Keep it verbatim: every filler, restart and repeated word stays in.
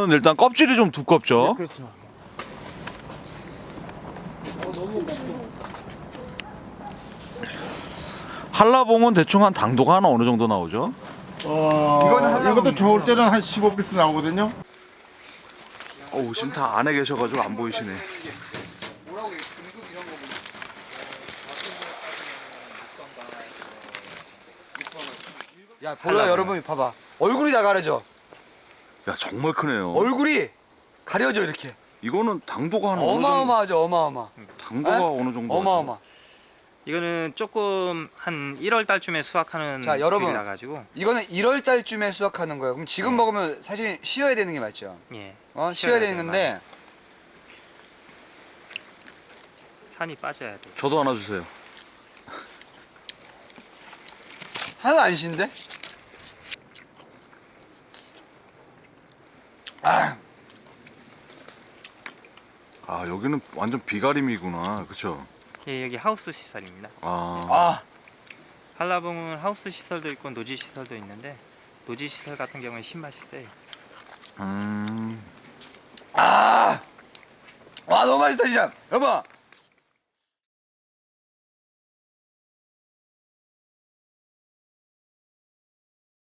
한라봉은 일단 껍질이 좀 두껍죠. 네, 그렇죠. 한라봉은 대충 한 당도가 하나 어느 정도 나오죠? 어, 이거는 이것도 좋을 때는 한 십오 피스 나오거든요. 어우, 지금 다 안에 계셔가지고 안 보이시네. 야 보여 여러분 봐봐 얼굴이 다 가려져. 야, 정말 크네요. 얼굴이 가려져 이렇게. 이거는 당도가 한 어느 정도? 어마어마하죠 어마어마. 당도가 에? 어느 정도? 어마어마. 이거는 조금 한 일월 달쯤에 수확하는 자, 여러분. 귤이라 가지고 이거는 일월 달쯤에 수확하는 거예요. 그럼 지금 네. 먹으면 사실 쉬어야 되는 게 맞죠? 예. 어 쉬어야 쉬어야 되는 돼요, 건데 산이 빠져야 돼. 저도 하나 주세요. 하나도 안 신데? 아 아, 여기는 완전 비가림이구나, 그렇죠? 예, 여기 하우스 시설입니다. 아, 아, 한라봉은 하우스 시설도 있고 노지 시설도 있는데 노지 시설 같은 경우에 신맛이 세요. 음, 아, 와 너무 맛있다 진짜. 여보,